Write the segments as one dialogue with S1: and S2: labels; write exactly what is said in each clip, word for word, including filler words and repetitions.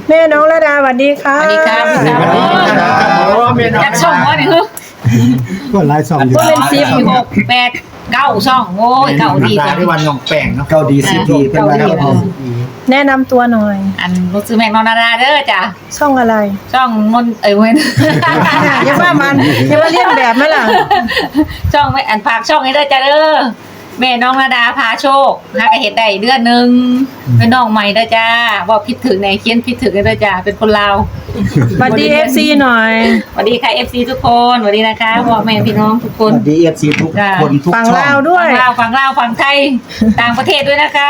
S1: แม่น้องระดาสวัสดีค่ะ
S2: สวัสดีครับสวัสดีครับจากช่องว่าเนี่ยคือ
S3: ก็ไลฟ์สองอยู่
S1: ก็เป็นสิบ
S2: สี่หกแปดเก้าช่องโอ้ยเก้าดี
S4: จั
S2: จั
S4: ง
S2: ง
S4: ที่วันน้องแป้งเนาะ
S3: เกาดีสิบดีเป็นไรครับผม
S1: แนะนำตัวหน่อย
S2: อันรู้สึกแม่งนอนนาราเด้อจ้ะ
S1: ช่องอะไร
S2: ช่องนนเอ้ยเว้น
S1: อย่าว่ามันอย่าว่าเรียนแบบไหมล่ะ
S2: ช่องไม่อันฝากช่องให้เด้อจ้ะเด้อแม่น้องนาดาพาโชคหากระเห็ดได้เดือนหนึ่งเป็นน้องใหม่เด้อจ้าบอกผิดถึงในเขียนผิดถึงเด้อจ้าเป็นคนลาว
S1: สวัสดีเอฟซีหน่อย
S2: สวัสดีค่ะ เอฟ ซี ทุกคนสวัสดีนะคะพ่อแม่พี่น้องทุกค
S3: ส
S2: น
S3: วัสดีเอฟซีทุกคนทุก
S1: ฝั่ง
S3: ช่อ
S1: ลาว
S3: ง
S1: ด้วย
S2: ฝั่งลาวฝั่งลาวฝั่งไทยต่างประเทศด้วยนะคะ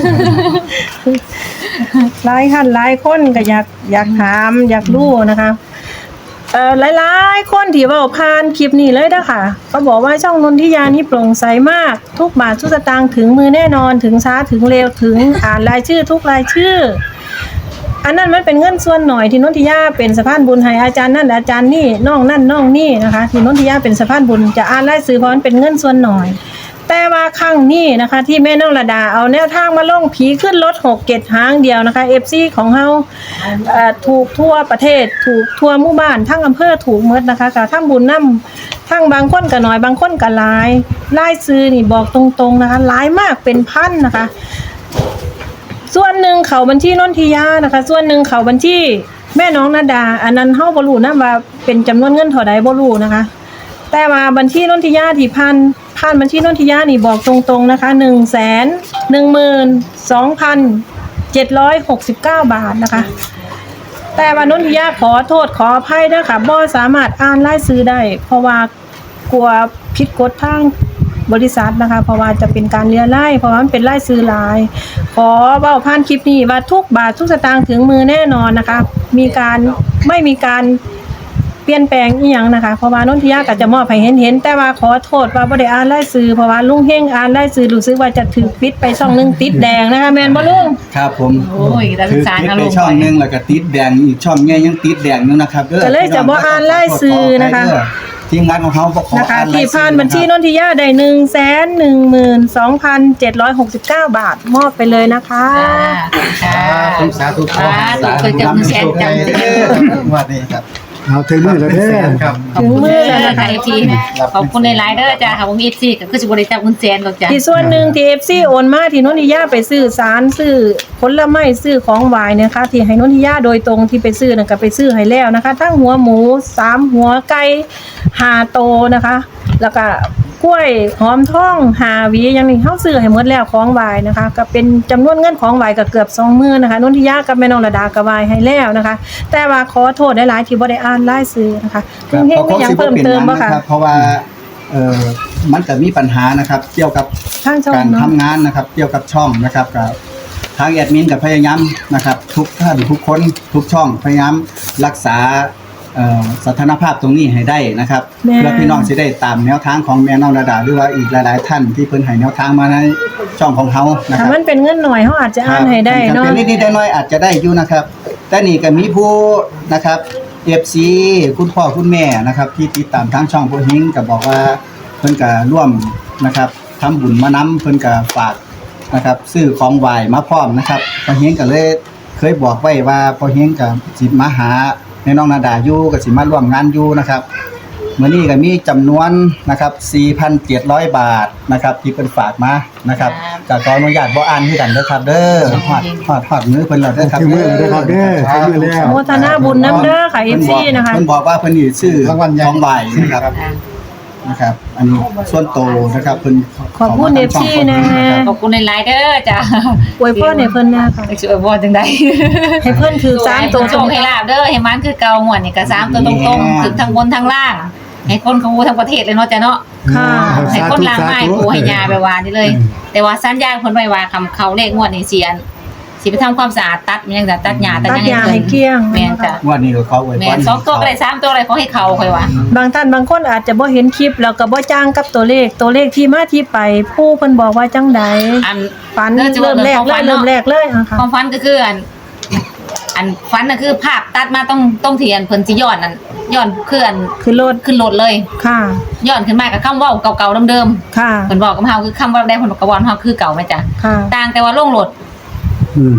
S1: หลายท่านหลายคนก็อยากอยากถามอยากรู้นะคะเอ่อหลายๆคนที่เว้าผ่านคลิปนี้เลยนะคะเขาบอกว่าช่องนนทิยานี่โปร่งใสมากทุกบาททุกสตางค์ถึงมือแน่นอนถึงช้าถึงเร็วถึงอ่านรายชื่อทุกรายชื่อ อันนั้นมันเป็นเงินส่วนหน่อยที่นนทิยาเป็นสะพานบุญให้อาจารย์นั่นอาจารย์นี่น้องนั่นน้องนี่นะคะที่นนทิยาเป็นสะพานบุญจะอ่านรายชื่อเพราะมันเป็นเงินส่วนหน่อย แต่ว่าครั้งนี้นะคะที่แม่น้องระดาเอาแนวทางมาลงผีขึ้นรถหกเกตหางเดียวนะคะ เอฟ ซี ของเฮาเอ่อถูกทั่วประเทศถูกทั่วหมู่บ้านทั้งอำเภอถูกหมดนะคะก็ทั้งบุญนํทั้งบางคนก็น้อยบางคนก็หลายรายชื่อนี่บอกตรงๆนะคะหลายมากเป็นพันนะคะ ส่วนหนึ่งเขาบัญชีนนทิยานะคะ ส่วนหนึ่งเขาบัญชีแม่น้องนาดา อันนั้นเฮาบ่รู้นะว่าเป็นจำนวนเงินเท่าใดบ่รู้นะคะ แต่ว่าบัญชีนนทิยาที่ผ่านผ่านบัญชีนนทิยานี่บอกตรงๆนะคะ หนึ่งแสนหนึ่งหมื่นสองพันเจ็ดร้อยหกสิบเก้า บาทนะคะ แต่ว่านนทิยาขอโทษขออภัยเด้อค่ะบ่สามารถอ่านรายชื่อได้ เพราะว่ากลัวผิดกฎทางบริษัทนะคะเพราะว่าจะเป็นการเลียไล่เพราะว่ามันเป็นไล่ซื้อหลาย ขอเว้าผ่านคลิปนี้ว่าทุกบาททุกสตางค์ถึงมือแน่นอนนะคะ มีการไม่มีการเปลี่ยนแปลงอีหยังนะคะเพราะว่านนทิยาก็จะมอบให้เห็นๆแต่ว่าขอโทษว่าบ่ได้อ่านรายชื่อเพราะว่าลุงเฮงอ่านรายชื่อรู้สึกว่าจะถูกปิดไปช่องนึงติดแดงนะคะแม่นบ่ลุง
S3: ครับผม
S2: โอ้ยแต่
S3: คื
S2: ศึ
S3: อก
S2: ษา
S3: ติด
S2: อาร
S3: ไป
S2: มณ์
S3: ช่องหนึงแล้วก็ติดแดงอีกช่องใหญ่ยังติดแดงอยู่นะครับเด้อ
S1: ก็เลยจะบ่อ่านรายชื่อนะคะ
S3: ทีมงานของเขาบ่ขอ
S1: นะคะ
S3: อ่านราย
S1: ที่
S3: ชื่อ
S1: ผ่านบัญชีนนทิยาได้หนึ่งแสนหนึ่งหมื่นสองพันเจ็ดร้อยหกสิบเก้า บาทมอบไปเลยนะคะ
S2: จ้าค่ะ
S4: สาธุ
S2: สาธุเคยจำแสนจำ
S4: เด้อวันนี้ครับ
S3: เอาถึงมือแล้วเด้อ
S4: ครับ
S2: ขอบคุณเลยนะคะเอฟซีขอบคุณในไลน์เด้อจ้าค่ะผมเอฟซีก็คือสิบริจาคเงินแสนหรอกจ้า
S1: ที่ส่วนหนึ่งที่ เอฟ ซี โอนมาที่นนทิยาไปซื้อสารซื้อผลไม้ซื้อของหวายนะคะที่ให้นนทิยาโดยตรงที่ไปซื้อนั่นก็ไปซื้อให้แล้วนะคะ ทั้งหัวหมูสามหัวไก่ห้าโตนะคะ แล้วก็กล้วยหอมทองห้าหวีอย่างนี้เฮาซื้อให้หมดแล้วของหวายนะคะ ก็เป็นจำนวนเงินของหวายก็เกือบสองหมื่นนะคะนนทิยากับแม่น้องระดาก็หวายให้แล้วนะคะ แต่ว่าขอโทษหลายๆที่บ่ได้อ่านรายชื่อนะคะลุงเฮงมีหยังเพิ่มเติมบ่คะ
S3: เพราะว่าเอ่อมันก็มีปัญหานะครับ เกี่ยวกับ
S1: ทางช่อง
S3: การ
S1: เนาะ
S3: ทำงานนะครับ เกี่ยวกับช่องนะครับกับทางแอดมินกับพยายามนะครับ ทุกท่านทุกคนทุกช่องพยายามรักษาเอ่อสถานภาพตรงนี้ให้ได้นะครับ
S1: แม่
S3: เพื่อพี่น้องจะได้ตามแนวทางของแม่น้องระดาหรือว่าอีกหลายๆท่านที่เพิ่นให้แนวทางมาในช่องของเขานะค
S1: ถ้า
S3: รับ
S1: มันเป็นเงินหน่อยเฮาอาจจะอ่านให้ได้เนาะ
S3: เป็นนิดๆน้อยๆอาจจะได้อยู่นะครับ แต่นี่ก็มีผู้นะครับ เอฟ ซี คุณพ่อคุณแม่นะครับ ที่ติดตามทางช่องพ่อเฮงก็บอกว่าเพิ่นก็ร่วมนะครับทำบุญมานํเพิ่นก็ฝากนะครับซื้อของไหว้มาพร้อมนะครับพ่อเฮงก็เลยเคยบอกไว้ว่าพ่อเฮงก็สิมาหาแม่น้องนาดาอยู่ก็สิมาร่วมงานอยู่นะครับมื้อนี้ก็มีจำนวนนะครับ สี่พันเจ็ดร้อย บาทนะครับที่เพิ่นฝากมานะครับก็ขออนุญาตบ่อ่านคือกันเด้อครับเด้อฮอดฮอดฮอดมือเพิ่นแล้วเด้อครับ
S5: ถึงมือแล้วเด้อครับเด้อถึงมือแล้ว
S1: โมทนาบุญน้ำเด้อค่ะ เอฟ ซี นะคะ
S3: เพิ่นบอกว่าเพิ่นนี่ชื่อ
S4: รางวัลใหญ่
S3: ของใบนะครับนะครับ อันนี้ส่วนโตนะครับเพิ่น
S1: ขอบคุณ เอฟ ซี นะ
S2: ขอบคุณในไลน์เด้อจ้า
S1: อวยพรให้เพิ่นนะค่ะ
S2: ไปช่วยบอลจังได
S1: ให้เพิ่นถือสามตัว
S2: โชคให้ลาบเด้อให้มันคือเก่าหมดนี่ก็สามตัวตรงๆถึงทั้งบนทั้งล่าง ให้คนเขาทั้งประเทศเลยเนาะจ้ะเนาะ
S1: ค่ะ
S2: ให้คนล่างไม้ปูให้ยาไปวานนี่เลย แต่ว่าสัญญาณเพิ่นไว้ว่าคำเขาเลขงวดนี่เสียนสิไปทำความสะอาดตัดมันยังจะตัดหญ้าตัด
S1: ตัด
S2: หยัง
S1: ยาให้เกลี้ยง
S2: แม่นจ้ะ
S3: ว่านี่ก็เขาอวยพ
S2: แม่
S3: ร
S2: นสองตัวก็ได้สามตัวอะไรขอให้เขาค่อยว่า
S1: บางท่านบางคนอาจจะบ่เห็นคลิปแล้วก็บ่จ้างกับตัวเลข ตัวเลขที่มาที่ไป ผู้เพิ่นบอกว่าจังใด
S2: อัน
S1: ฝัน
S2: เริ่
S1: เริ่
S2: ม
S1: ม
S2: แร
S1: แร
S2: ก
S1: ก
S2: เล
S1: เลย ย
S2: เริ่
S1: เริ่
S2: ม
S1: ม
S2: แร
S1: แร
S2: ก
S1: กเลยอ่ะค่ะ
S2: ความฝันก็คืออัน อันฝันน่ะคือภาพตัดมาต้องต้องเทียนเพิ่นสิย้อนนั่นย้อนคืออัน
S1: คือรถ
S2: ขึ้นรถเลย
S1: ค่ะ
S2: ย้อนขึ้นมากับคำเว้าเก่าๆเดิม
S1: ค่ะ
S2: ๆเพิ่นบอกกับเฮาคือคำว่าได้เพิ่นบอกกับว่าเฮาคือเก่าแม่จ้ะ
S1: ค่ะ
S2: ต่างแต่ว่าลงรถ
S3: อืม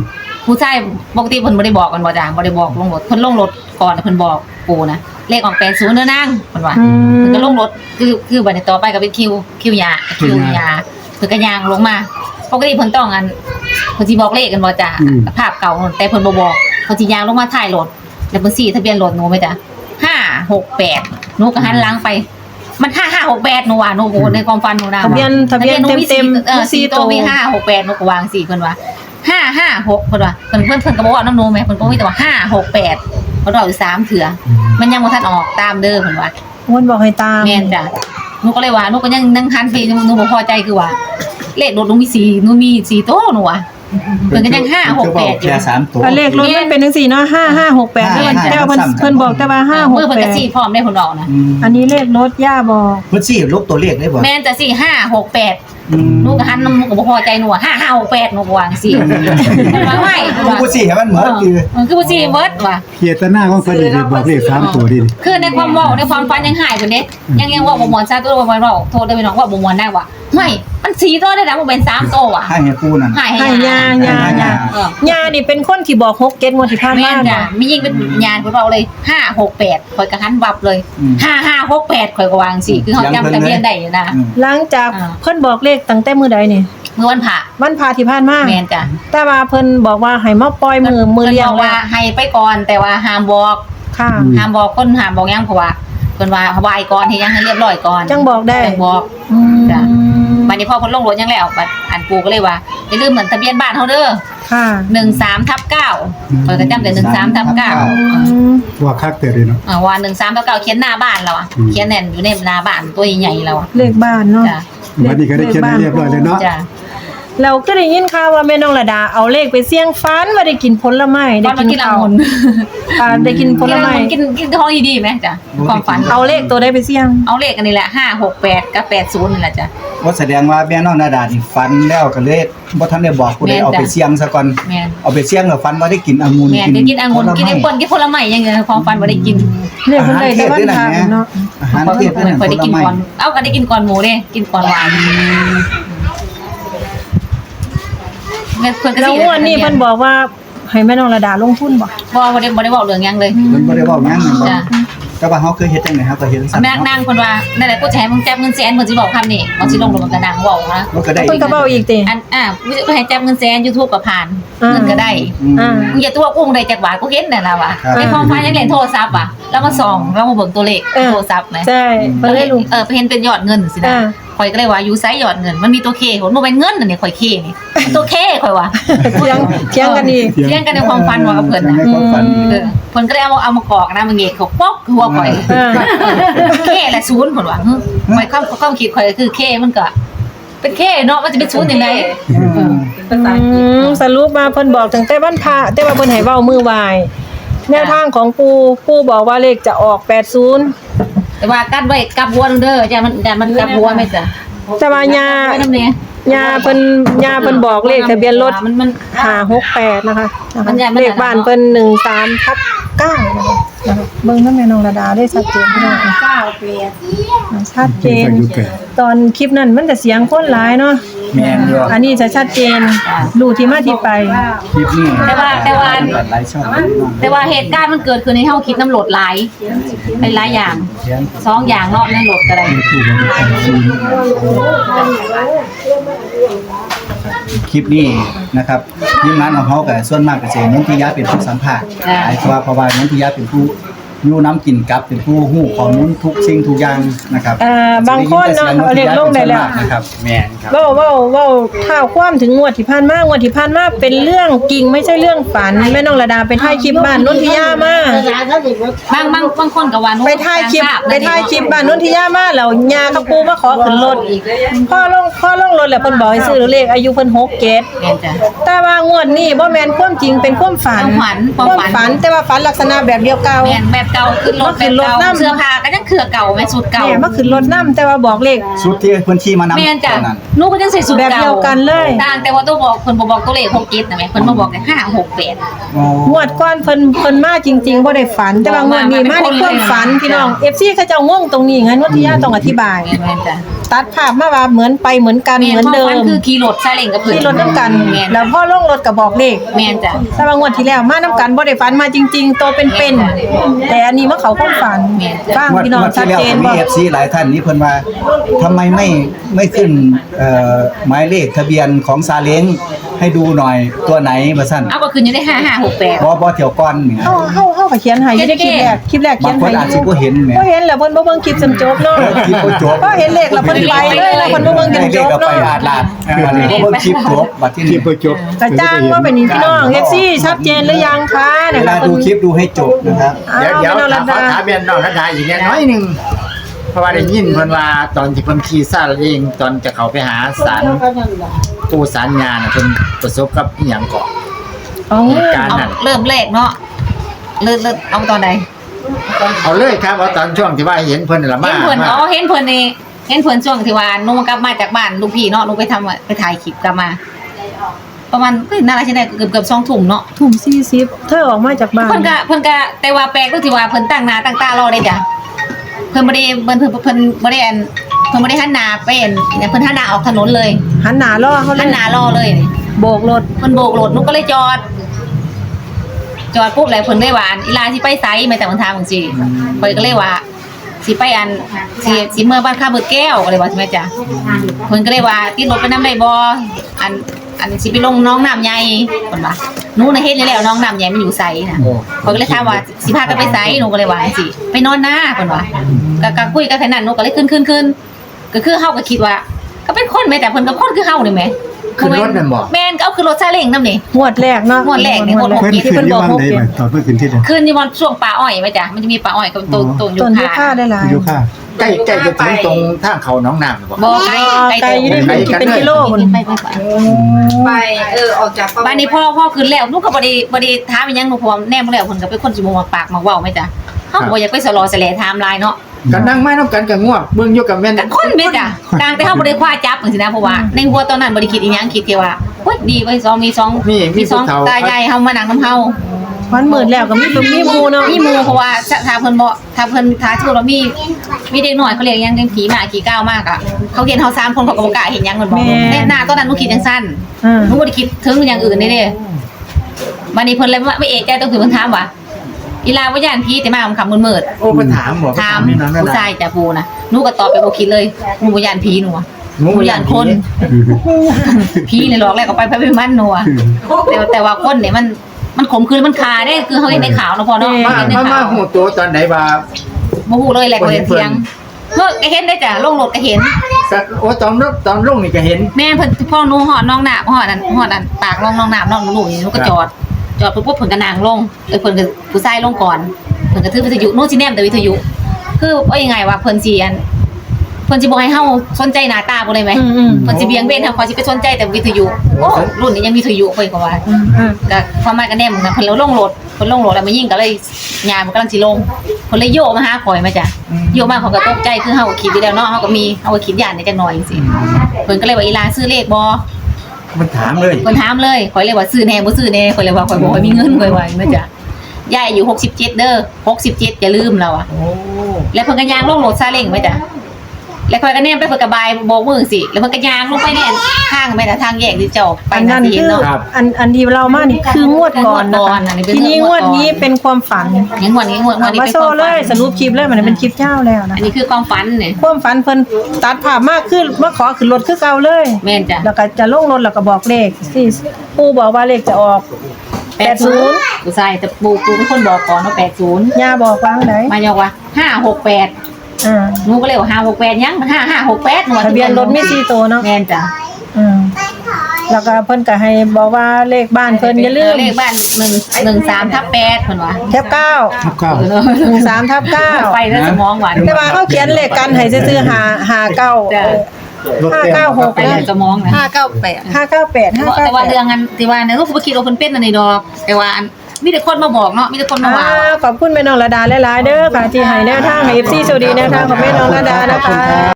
S2: ผู้ชายปกติเพิ่นบ่ได้บอกกันบ่จ้ะบ่ได้บอกลงรถเพิ่นลงรถก่อนเพิ่นบอกปู่นะเลขออกแปดศูนย์เด้อนางเพิ่นว่า
S1: อืม
S2: เพิ่นก็ลงรถคือคือบัดนี้ต่อไปก็เป็นคิวคิวยาคิวยาเพิ่นก็ย่างลงมาปกติเพิ่นต้องอันเพิ่นสิบอกเลขกันบ่จ้ะภาพเก่าแต่เพิ่นบ่บอกเพิ่นสิย่างลงมาท้ายรถแล้วเพิ่นสี่ทะเบียนรถหนูไหมจ้ะห้าหกแปดหนูก็หันหลังไปมันห้าห้าหกแปดหนูว่าหนูในความฝันหนูนะ
S1: ทะเบียนทะเบียน
S2: หนู
S1: เต็มๆ
S2: เออ
S1: สี่
S2: สี่
S1: ตั
S2: ตัว วมีห้าหกแปดหนูก็วางสี่เพิ่นว่าห้าห้าหกเพิ่นว่าเพิ่นเพิ่นเพิ่นก็บอกว่าน้ำหนูแม่เพิ่นก็มีแต่ว่าห้าหกแปดเพิ่นบอกอยู่สามเถื่อมันยังบ่ทันออกตามเด้อเพิ่นว่า
S1: วนบอกให้ตาม
S2: แม่นจ้ะหนูก็เลยว่าหนูก็ยังนั่งหันไปหนูหนูบ่พอใจคือว่าเลขรถหนูมีสี่หนูมีสี่ตัวหนูว่าเพิ่นก็ยังห้าหกแปดอยู่
S3: แค่สามตัว
S1: อ่ะเลขรถมันเป็นจังซี่เนาะห้าห้าหกแปด
S3: ห้า
S1: เพิ่น
S3: ห้า
S1: แต่ว่าเพิ่น
S3: ซ้ำๆ
S1: เพิ่นบอกแต่ว่าห้าหก
S2: เมื่อเพิ่น
S1: แป
S2: ก็
S1: ด
S2: สี่พร้อมได้เพิ่นบอกนะ
S3: อืม
S1: อันนี้เลขรถย่าบอก
S3: เพิ่นสิลบตัวเลขได้บ่
S2: แม่นจะสี่ห้าหกแปด
S3: อืม
S2: หนูก็หันหนูก็บ่พอใจหนูว่าห้าห้าหกแปดหนูก็วางสี่ว่าไม่
S3: ผู้สิให้มันเหมือนคือ
S2: มันคือบ่สี่เบิดว่ะ
S5: เขียนหน้าของเพิ่นนี่บอกเลขสามตัวดิ
S2: คือในความเว้าในความฝันยังหายเพิ่นเด้ยังยังเว่าบ่ม่วนซะตัวบ่ม่วนเว้าโทษเด้อพี่น้องว่าบ่ม่วนได้ว่ะไม่มันสี่ตัวได้นะบ่เป็นสามตัวว่ะ
S3: ให้ให้ผู้นั่น
S2: หาย
S1: ให้ยายายา
S2: เออย่
S1: านี่เป็นคนที่บอกหกเกตงวดที่ผ่าน
S2: แม่
S1: มาน
S2: จ้ะ
S1: เนาะ
S2: มียิ่งเป็นญาณเพิ่นเว้าเลยห้าหกแปดข่อยก็หันวับเลยห้าห้าหกแปดข่อยก็วางสิคือเฮาจำทะเบียนได้อยู่นะ
S3: อืม
S1: หลังจาก
S2: อ่า
S1: เพิ่นบอกเลขตั้งแต่มื้อใดนี่
S2: เมื่อวันพระ
S1: วันพาที่ผ่านมา
S2: แม่นจ้ะ
S1: แต่ว่าเพิ่นบอกว่าให้มาปล่อยมือมือเลี้ยง
S2: พิ่นบกว่า
S1: แล้ว
S2: ให้ไปก่อนแต่ว่าห้ามบอก
S1: ค่ะ
S2: ห้ามบอกคนห้ามบอกหยังเพราะว่าเพิ่นว่าไหว้ก่อนให้ยังให้เรียบร้อยก่อน
S1: จังบอกได้
S2: จังบอก
S1: อืม
S2: จ้ะ บัดนี้พอเพิ่นลงรถยังแล้วบัดอันปู่ก็เลยว่าอย่าลืมเหมือนทะเบียนบ้านเฮาเด้อ
S1: ค่ะ
S2: หนึ่งสามทับเก้าเพิ่นก็จำแต่หนึ่งสามทับเก้า
S1: อืม
S5: ว่าคักแต่เลยเนาะ
S2: อ่าว่าหนึ่งสามทับเก้าเขียนหน้าบ้านเราอ่ะ
S5: อืม
S2: เขียนแน่นอยู่ในหน้าบ้านตัวใหญ่ๆเราอ่ะ
S1: เลขบ้านเนาะ
S2: จ้ะ
S5: วันนี้ก็ได้เขียนให้เรียบร้อยเลยเนาะ
S2: จ้ะ
S1: เราก็ได้ยินข่าวว่าแม่น้องระดาเอาเลขไปเสี่ยงฟันว่าได้กินผลไม้
S2: ต
S1: ได้
S2: อนมา
S1: กิน
S2: กิน
S1: ข้าว
S2: องุ่น
S1: อ่าได้กินผลไม้
S2: กินกินท้องดีๆไหมจ้ะความฝัน
S1: เอาเลขตัวได้ไปเสี่ยง
S2: เอาเลขอันนี้แหละห้าหกแปดกับแปดศูนย์นี่แหละจ้ะ
S3: ว่าแสดงว่าแม่น้องนาดานี่ฝันแล้วก็เลยบ่ทันได้บอกผู้ใด
S2: แม่นจ้ะ
S3: เอาไปเสี่ยงซะก่อน
S2: แม่น
S3: เอาไปเสี่ยงแล้วฝันว่าได้กินองุ่น
S2: แม่ได้กินองุ่นกินแอปเปิ้ลกินผลไม้อยังเงี้ยความฝันบ่ได้กิน
S1: เลขเพิ่นได้แต่วันพาเนาะ
S3: อาหาร
S2: เพราะ
S3: เทศ
S2: เพิ่น
S3: ผ
S2: เคยได้
S3: ล
S2: กิน
S3: ไม้
S2: ก่อนเอ้าก็ได้กินก่อนหมูเด้กินก่อนหวานเพิ่นก็
S1: แล้ว
S2: สิ
S1: งวดนี้เพิ่นบอกว่าให้แม่น้องระดาลงทุนบ่
S2: บ่บ่ได้บ่ได้บอกเรื่องหยังเลย
S3: เพิ่นบ่ได้เว้าหยังนั่นบ่
S2: จ้ะ
S3: แต่ว่าเฮาเคยเฮ็ดจังได๋ครับก็เฮ็ดสั่น
S2: แม่นางเพิ่นว่านั่นแหละกูจะให้มึงจับเงินแสนเพิ่นสิบอกคำนี้มันสิลงลงกับนางเว้านะ
S3: มันก็ได้
S1: เพิ่นก็เว้าอีกติ
S2: อันอ่ากูให้จับเงินแสน YouTube ก็ผ่าน
S1: อ่า
S2: เงินก็ได้
S3: อืม
S1: อ่า
S2: มึงอย่าตัวกุ้งได้จักบาทกูเห็นนั่นล่ะว่ะ
S3: ครับ
S2: ในความฝันยังเล่นโทรศัพท์อ่ะแล้วมาส่องแล้วมาเบิ่งตัวเลข
S1: เออ
S2: โทรศัพท์นะ
S1: ใช่เพิ่นเลยรู้
S2: เออไปเห็นเป็นยอดเงินสินะ
S1: อ่า
S2: ข่อยก็เลยว่าอยู่ไสยอดเงินมันมีตัวเคผมบ่เป็นเงินอันนี้ข่อยเคนี่มันตัวเคข่อยว่า
S1: เถียงเถียงกันอีก
S2: เถียงกันในความฝันว่ากับเพิ่น
S3: ใน
S2: น่ะ
S3: ความฝัน
S2: เออเพิ่นก็เลยเอามาเอามากอกนะมาเงกเขาป๊อกหัวข่อย
S1: เออ
S2: เคแหละศูนย์เพิ่นว่าหึข่อยความความคิดข่อยก็คือเคมันก็เป็นเคเนาะมันจะเป็นศูนย์จังได๋
S3: อืม
S1: อืมสรุปมาเพิ่นบอกตั้งแต่วันพระแต่ว่าเพิ่นให้เว้ามือไหว้แนวทางของปู่ปู่บอกว่าเลขจะออกแปดสิบ
S2: แต่ว่ากัดไว้กับหัวนึงเด้อจ้ะมันแต่มันกับหัวแม่จ้ะ
S1: แต่ว่าญา
S2: ไว้นำแน่
S1: ญาเพิ่นญาเพิ่นบอกเลขทะเบียนรถ
S2: มันมัน
S1: ห้าหกแปดนะคะนะคะ
S2: มันใหญ่มัน
S1: เลขบ้านเพิ่นหนึ่งสามทับเก้านะคะนะคะเบิ่งนำแม่น้องระดาได้ชัดเจนพี่น้องเก้าแปดชัดเจน ตอนคลิปนั้นมันจะเสียงคนหลายเนาะ
S3: แม่นอยู่
S1: อันนี้จะชัดเจนรู้ที่มาที่ไป
S3: คลิปนี้
S2: แต่ว่าแต่ว่า
S3: หลายช่อง
S2: แต่ว่าเหตุการณ์มันเกิดขึ้นในเฮาคิดน้ำโหลดหลายเป็นหลายอย่าง
S3: เขียน
S2: สองอย่างเนาะในโหลดก็ได้
S3: คลิปนี้นะครับทีมงานของเขากับส่วนมากก็จะเน้นที่ยะเป็นผู้สัมภาษณ์หลายกว่าเพราะว่าเน้นที่ยะเป็นผู้อยู่น้ำกินกับเป็นผู้ฮู้ข้อมูลทุกสิ่งทุกอย่างนะครับ
S1: อ่าบางคนเนาะเอาเลขลงได้แล้ว
S3: นะครับ
S4: แม่นครับ
S1: เว้าเว้าเว้าท้าวความถึงงวดที่ผ่านมางวดที่ผ่านมาเป็นเรื่องจริงไม่ใช่เรื่องฝันแม่น้องระดาไปถ่ายคลิปบ้านนนทิยามา
S2: บางบางบางคนก็ว่าหนู
S1: ไปถ่ายคลิปไปถ่ายคลิปบ้านนนทิยามาแล้วยากับปูมาขอขึ้นรถพ่อลงพ่อลงรถแล้วเพิ่นบอกให้ซื้อเลขอายุเพิ่นหกเกต
S2: แม่นจ้ะ
S1: แต่ว่างวดนี้บ่แม่นความจริงเป็นความฝัน
S2: ความฝันความฝัน
S1: ฝันแต่ว่าฝันลักษณะแบบเดียวเก่า
S2: แม่นแบบเก่าขึ้นรถ
S1: ขึ้
S2: แบบ
S1: นรถ
S2: เก่า
S1: น้ำ
S2: เสื้อผ้าก็ยังเครือเก่าแม่สุดเก่า
S1: แม่มาขึ้นรถนํแต่ว่าบอกเลข
S3: สุดที่เพิ่นขี่มานำ
S2: แม่นจ้ะ
S3: ตอนนั้น
S2: หนูก็จังใส่สูตร
S1: แบบ
S2: เก่า
S1: เดียวกันเลย
S2: ต่างแต่ว่าตัวบอกเพิ่นบ่บอกตัวเลขหกเจ็ดนะแม่เพิ่นมาบอกแต่ห้าหกแปด
S3: อ๋อง
S1: วดก่อนเพิ่นเพิ่นมาจริงๆบ่ได้ฝัน แต่ว่างวดนี้มาในความฝันพี่น้อง เอฟ ซี เขาเจ้างงตรงนี้ไงนวดที่ย่าต้องอธิบาย
S2: แม่นจ้ะ
S1: ตัดภาพมาว่าเหมือนไปเหมือนกันเหมือนเดิ
S2: แม่
S1: ม
S2: นคือขี่รถซาเล้งกับเพิ่น
S1: ที่รถน้ำกัน
S2: แม่น
S1: แล้วพ่อลงรถก็บอกเลข
S2: แม่นจ้ะ
S1: แต่ว่างวดที่แล้วมาน้ำกันบ่ได้ฝันมาจริงๆโตเป็นๆแต่อันนี้มาเขาความฝันฟัง
S3: งวด
S1: พี่น้อง
S3: งวด
S1: ชัด
S3: ที่แล้ว
S1: เจน
S3: ก็มี
S1: บ่
S3: เอฟซีหลายท่านนี้เพิ่นว่าทำไมไม่ไม่ขึ้นเอ่อหมายเลขทะเบียนของซาเล้งให้ดูหน่อยตัวไหนว่าซั่น
S2: เอาก็ขึ้นอยู่ได้ห้าห้าหกแปด
S3: บ่บ่เที่ยวก่อนนี่
S1: เฮาเฮาเฮาก็เขียนให้อยู่ในคลิปแรกคลิปแรกเขี
S3: บาย ง
S1: น
S3: คน
S1: ให้
S3: อาจสิบ่เห็นแหม
S1: บ่เห็นแล้วเพิ่นบ่เบิ่งคลิปจนจบเนาะ
S3: คลิปบ่จบ
S1: ก็เห็นเลขแล้วเพิ่นไปเลยแล้วเพิ่นบ่เบิ่งจน
S3: ให้
S1: จ
S3: เลข
S1: บ
S3: เราไป
S1: เนาะ
S3: อาดลาดเออนี่บ่เบิ่งคลิปจบบัดที่
S5: คลิ
S3: นี่
S5: ปบ่จบ
S1: กระจ้างว่าเป็นนี้พี่น้อง เอฟ ซี ชัดเจนหรือยังคะ
S3: เว
S1: เนี่ย
S3: ลา
S1: ค่ะ
S3: ดูคลิปดูให้จบนะครับ
S4: เดี๋ยวเดี๋ยว
S1: พี่น้อง
S4: ถา
S1: รั
S4: ม
S1: ต
S4: ขอ
S1: ดา
S4: ถามเบียนน้องรัตดาอีกแค่น้อยหนึงเพราะว่าได้ยินเพิ่นว่าตอนที่เพิ่นขี่ซาเล้งตอนจะเข้าไปหาศาลปู่ศาลญาน่ะเพิ่นประสบกับอีหยังก่อน
S1: อ๋อ
S4: เหตุการณ์
S2: เอา
S4: นั้น
S2: เริ่มแรกเนาะเริ่มเริ่มเอาตอนใด
S4: เอาเลยครับว่าตอนช่วงที่ว่าเห็นเพิ่นน่ะละมา
S2: เห็นเพิ่น
S4: ว่า
S2: อ๋อเห็นเพิ่นนี่เห็นเพิ่นช่วงที่ว่าหนูกลับมาจากบ้านลูกพี่เนาะหนูไปทำไปถ่ายคลิปกลับมา ประมาณเอ้ยน่าจะใช่ได้เกือบเกือบสองทุ่มเนาะ
S1: ทุ่มสี่สิบเธอออกมาจากบ้าน
S2: เพิ่นก็เพิ่นก็แต่ว่าแปลกตรงที่ว่าเพิ่นตั้งหน้าตั้งตารอได้จ้ะเพิ่นบ่ได้เพิ่นเพิ่นเพิ่นบ่ได้อันเพิ่นบ่ได้หันหน้าไปอันเนี่ยเพิ่นหันหน้าออกถนนเลย
S1: หันหน้ารอเขาเล
S2: หั
S1: ย
S2: นหน้ารอเลยนี่
S1: โบกรถ
S2: เพิ่นโบกรถหนูก็เลยจอด จอดปุ๊บเลยเพิ่นเลยว่าอันอีลาสิไปไสแม่แต่เพิ่นถามจังซี่เพิ่นก็เลยว่าสิไปอันสิสิเมื่อบ้านข้าเบิดแก้วก็เลยว่าใช่ไหมจ๊ะเพิ่นก็เลยว่าติดรถไปนำได้บ่อันอันสิไปลงน้องน้ำใหญ่เพิ่นว่าหนูน่ะเฮ็ดอยู่แล้วน้องน้ำใหญ่มันอยู่ไสน่ะ
S4: โอ้
S2: เพิ่นก็เลยถามว่าสิพากันไปไสหนูก็เลยว่าจังซี่ไปนอนนาเพิ่นว่าก็ก็คุยกันแค่นั้นหนูก็เลยขึ้นขึ้นขึ้นก็คือเฮาก็คิดว่า ก็เป็นคนแม่แต่เพิ่นก็คนคือเฮานี่แหม
S4: ขึ้นรถนั่นบ่
S2: แม่นก็เอาขึ้นรถซาเล้งนำนี่
S1: งวดแรกเนาะ
S2: งวดแรกนี่งวด
S5: เพิ่น
S1: ที่
S5: ขึ้น
S1: เพิ่น
S5: อบ ยู่
S1: อก
S5: วัง
S1: หก
S5: ไหน
S1: เจ็ด
S5: บ่ตอนเพิ่นขึ้นที่ใด
S2: ขึ้นอยู่บนช่วงป่าอ้อยไหมจ๊ะมันจะมีป่าอ้อยกับต้นต้นยู
S1: ต้นยู
S2: คา
S1: คาได้หลาย
S5: อยู่ค่ะ
S4: ใกล้ใกล้จะถึงตรงทางเขาหน้องน้ำบ่
S2: บ่ไกล
S1: ไกลอยู่นี่
S4: ไกล
S1: เป็นเป็นกิโลพุ่น
S2: ไปไปไป
S6: ไปเออออกจาก
S2: บ้านนี้พ่อพ่อขึ้นแล้วลูกก็บ่ได้บ่ได้ถามอีหยังหนูพร้อมแนมแล้วเพิ่นก็เป็นคนสิบ่มาปากมาเว้าไหมจ๊ะเฮาก็บ่อยากไปสลอสแลไทม์ไลน์เนาะ
S4: กันนั่งไม้นำกันก็ง่วงเบิ่งอยู่กับแม่น
S2: กันคนแม่จ๊ะต่างแต่เฮาบ่ได้คว้าจับจังซี่นะเพราะว่าในหัวตอนนั้นบ่ได้คิดอีหยังคิดแค่ว่าโอ๊ยดีเว้ยสองมีสอง
S4: มีมี
S2: สอง
S4: ผู้เฒ่า
S2: ตายายเฮามานั่งนำเฮา
S1: วันหมื่นแล้วก็มีตุ้มมีหมูเนาะ
S2: มีหมู่เพราะว่าถ้าเพิ่นบ่ถ้าเพิ่นถ้าสมมุติว่ามีมีเด็กน้อยเขาเรียกหยังเด็กผีหมาขี้ก้าวมากอ่ะเขาเห็นเฮาสามคนเขาก็บ่กล้าเห็นหยังเพิ่นบอกแน่หน้าตอนนั้นหนูคิดจังซั่น
S1: อ่า
S2: หนูบ่ได้คิดถึงอย่างอื่นเด้เด้บัดนี้เพิ่นเลยว่าไม่เอะใจตรงที่เพิ่นถามว่าอีลาบ่ย่านผีแต่มาค่ำๆมืด
S4: โอ้เพิ่นถามบ่
S2: ๆถาม
S4: นี่น้องนั่น
S2: ผู้
S4: น่ะ
S2: ชายจ้ะปูนะหนูก็ตอบไปบ่คิดเลยหนูบ่ย่านผีหนูอะหนูบ่ย่านคนผีเลยหลอกแล้วก็ไปไปเป็นมันหนูอะแต่แต่ว่าคนเนี่ยมันมันขมคืนมันคาได้คือเฮาเห็นในข่าวเนาะพ่อเนาะ
S4: มา
S2: เห็นใน
S4: มามา
S2: ข่าว
S4: หูตัวตอนไหนว่า
S2: บ่ฮู้เลยแหละก็เห็นเสียงเฮ้ยก็เห็นได้จ้ะลงรถก็เห็น
S4: สักโอ้ตอนรถตอนลงนี่ก็เห็น
S2: แม่เพิ่นพ่อหนูหอดน้องหน้าหอดอันหอดอันปากน้องน้องน้ำน้องหนูนี่หนูก็จอด จอดปุ๊บปุ๊บเพิ่นก็นั่งลงเอ้ยเพิ่นก็ผู้ชายลงก่อนเพิ่นก็ถือวิทยุโน้ตสิแนมแต่วิทยุ คือว่ายังไงว่าเพิ่นสิอันเพิ่นสิบ่ให้เฮาสนใจหน้าตาบ่เลยไหม
S1: อืมอืม
S2: เพิ่นสิเบี่ยงเบนทางความสิไปสนใจแต่วิทยุโอ้รุ่นนี้ยังมีวิทยุเพิ่นก็ว่า
S1: อืมอืม
S2: ก็ความหมายก็แนมนะเพิ่นแล้วลงรถเพิ่นลงรถแล้วมายิงก็เลยยามมันกำลังสิลงเพิ่นเลยโยกมาหาข่อยมาจ้ะโยกมาเขาก็ตกใจคือเฮาก็คิดอยู่แล้วเนาะเฮาก็มีเฮาก็คิดย่านในจักหน่อยจังซี่เพิ่นก็เลยว่าอีลาซื้อเลขบ่
S4: มันถามเลย
S2: เพิ่นถามเลยข่อยเลยว่าซื้อแน่บ่ซื้อแน่ข่อยเลยว่าข่อยบ่ค่อยมีเงินข่อยว่าอย่างนั้นจ้ะยายอายุหกสิบเจ็ดเด้อหกสิบเจ็ดอย่าลืมเราอะ
S4: โอ้
S2: แล้วเพิ่นก็ย่างลงรถซาเล้งไว้จ้ะแล้วข่อยก็แนมไปเพิ่นก็บายโบกมือสิแล้วเพิ่นก็ย่างลงไปเนี่ยทางไปนะทางแยกที่เจ้าไป
S1: อันนั้น
S2: สิ
S1: คือ
S2: เนาะ
S1: อันอันที่เรามานี่คืองวดก่อนนะ
S2: งวดก่อ
S1: คะ
S2: นอันนี้เป็น
S1: ทีนี้
S2: ง
S1: ง
S2: ว
S1: ว
S2: ด
S1: ด
S2: ก่อน
S1: นี้เป็นความฝัน
S2: ยังงวดนี้งวดงวดนี้
S1: มา
S2: เป็น
S1: โซ่
S2: ความ
S1: เล
S2: ฝั
S1: ย
S2: น
S1: สรุปคลิปเลยมันเป็นคลิปเจ้าแล้วนะ
S2: อันนี้คือความฝันเนี่ย
S1: ความฝันเพิ่นตัดภาพมากขึ้นมาขอขึ้นรถคือเก่าเลย
S2: แม่นจ้ะ
S1: แล้วก็จะลงรถแล้วก็บอกเลขที่ปู่บอกว่าเลขจะออกแปดศูนย์
S2: ผู้ชายแต่ปู่ปู่เป็นคนบอกก่อนว่าแปดสิบ
S1: ย่าบอกวางไหน
S2: มาบอกว่าห้าหกแปด
S1: อ่า
S2: หนูก็เลยว่าห้าหกแปดยังห้าห้าหกแปดหนูว่า
S1: ทะเบียนรถมีสี่ตัวเนาะ
S2: แม่นจ้ะ
S1: อืมแล้วก็เพิ่นก็ให้บอกว่าเลขบ้านเพิ่นอย่าลืม
S2: เลขบ้านหนึ่งหนึ่งสามทับแปดเพิ่นว่า
S1: แคปเก้า
S5: ทับเก้า
S1: หนึ่งสามทับเก้า
S2: ไปแล้วสมองหวาน
S1: แต่ว่าเขาเขียนเลขกันให้ซื้อๆหาหาเก้า
S2: จ้ะ
S1: ห้าเก้าหก
S2: ไปแล้วสมองนะ
S6: ห้าเก้าแปด
S1: ห้าเก้าแปดห้าเก้า
S2: แต่ว่า
S1: แปด
S2: เรื่องอันที่ว่าเนี่ยลูกบ่คิดว่าเพิ่นเป็นอันนี้ดอก แต่ว่าอันมีแต่คนมาบอกเนาะมีแต่คนมา
S1: อ่า
S2: ว่า
S1: ขอบคุณแม่น้องระดาหลายๆเด้อค่ะที่ให้แนวทางให้ เอฟ ซี สวัสดีแนวทางของแม่น้องระดานะคะ